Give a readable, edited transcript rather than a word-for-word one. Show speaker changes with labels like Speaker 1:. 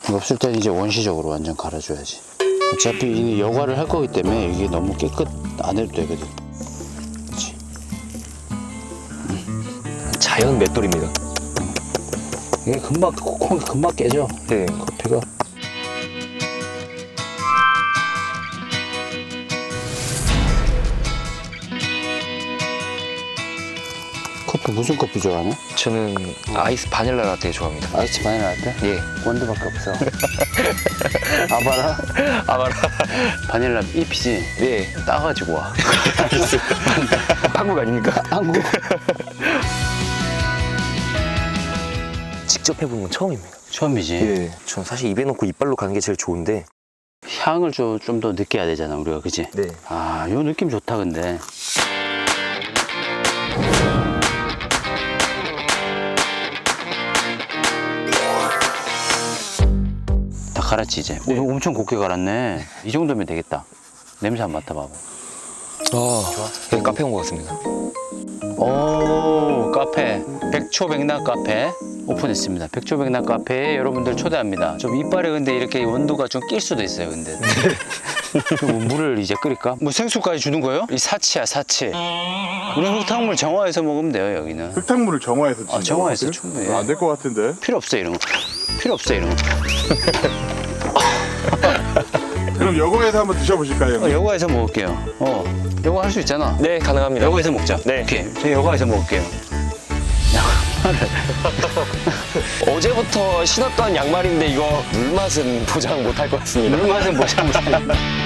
Speaker 1: 없을 때는 이제 원시적으로 완전 갈아줘야지. 어차피 이 여과를 할 거기 때문에 이게 너무 깨끗 안 해도 되거든. 그렇지.
Speaker 2: 자연 맷돌입니다.
Speaker 1: 이게 금방 콩이 금방 깨져.
Speaker 2: 네.
Speaker 1: 커피가. 커피 무슨 커피 좋아하냐?
Speaker 2: 저는 아이스 바닐라 라떼 좋아합니다.
Speaker 1: 아이스 바닐라 라떼?
Speaker 2: 예.
Speaker 1: 원두밖에 없어. 아바라?
Speaker 2: 아마라.
Speaker 1: 바닐라 잎이지?
Speaker 2: 네.
Speaker 1: 따가지고 와.
Speaker 2: 한국 아닙니까?
Speaker 1: 한국.
Speaker 2: 직접 해보는 건 처음입니다.
Speaker 1: 처음이지?
Speaker 2: 예. 전 사실 입에 넣고 이빨로 가는 게 제일 좋은데.
Speaker 1: 향을 좀 더 느껴야 되잖아, 우리가. 그치?
Speaker 2: 네.
Speaker 1: 아, 요 느낌 좋다, 근데. 다 갈았지, 이제?
Speaker 2: 네.
Speaker 1: 오, 엄청 곱게 갈았네. 이 정도면 되겠다. 냄새 한 맡아봐봐.
Speaker 2: 좋아. 여기 카페 온 것 같습니다.
Speaker 1: 오, 카페. 백초백낙 카페 오픈했습니다. 백초백낙 카페에 여러분들 초대합니다. 좀 이빨에 근데 이렇게 온도가 좀 낄 수도 있어요, 근데. 그럼 물을 이제 끓일까? 뭐 생수까지 주는 거예요? 이 사치야, 사치. 우리 흙탕물 정화해서 먹으면 돼요, 여기는.
Speaker 3: 흙탕물을 정화해서
Speaker 1: 아, 정화해서 충분히.
Speaker 3: 안 될 것 같은데.
Speaker 1: 필요 없어, 이런 거. 필요 없어, 이런 거.
Speaker 3: 그럼 여거에서 한번 드셔보실까요? 형님?
Speaker 1: 여과해서 먹을게요. 여과 할 수 있잖아.
Speaker 2: 네, 가능합니다.
Speaker 1: 여과해서 먹자.
Speaker 2: 네.
Speaker 1: 오케이. 저 여과해서 먹을게요.
Speaker 2: 어제부터 신었던 양말인데 이거 물 맛은 보장 못 할 것 같습니다.
Speaker 1: 물 맛은 못 참으세요.